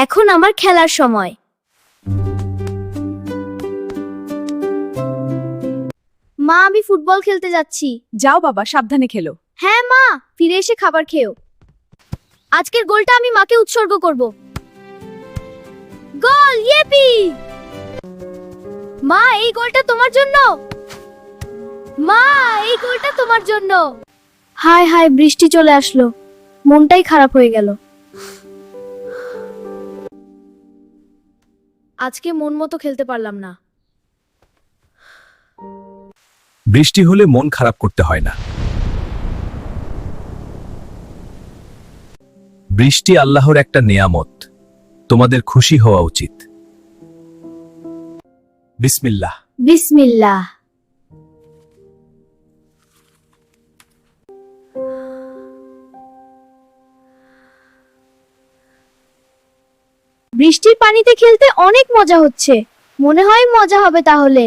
এখন আমার খেলার সময়। মা, আমি ফুটবল খেলতে যাচ্ছি। যাও বাবা, সাবধানে খেলো। হ্যাঁ মা, ফিরে এসে খাবার খেও। আজকের গোলটা আমি মাকে উৎসর্গ করব। গোল, ইয়েপি! মা, এই গোলটা তোমার জন্য। মা, এই গোলটা তোমার জন্য। হায় হায়, বৃষ্টি চলে আসলো, মনটাই খারাপ হয়ে গেল। আজকে মন মতো খেলতে পারলাম না। বৃষ্টি হলে মন খারাপ করতে হয় না। বৃষ্টি আল্লাহর একটা নেয়ামত, তোমাদের খুশি হওয়া উচিত। বিসমিল্লাহ। বিসমিল্লাহ। বৃষ্টির পানিতে খেলতে অনেক মজা হচ্ছে, মনে হয় মজা হবে তাহলে।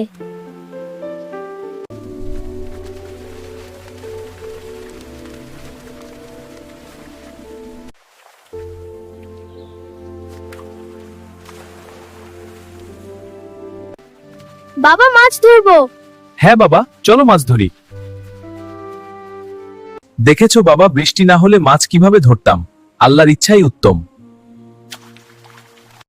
বাবা, মাছ ধরবো। হ্যাঁ বাবা, চলো মাছ ধরি। দেখেছো বাবা, বৃষ্টি না হলে মাছ কিভাবে ধরতাম? আল্লাহর ইচ্ছাই উত্তম।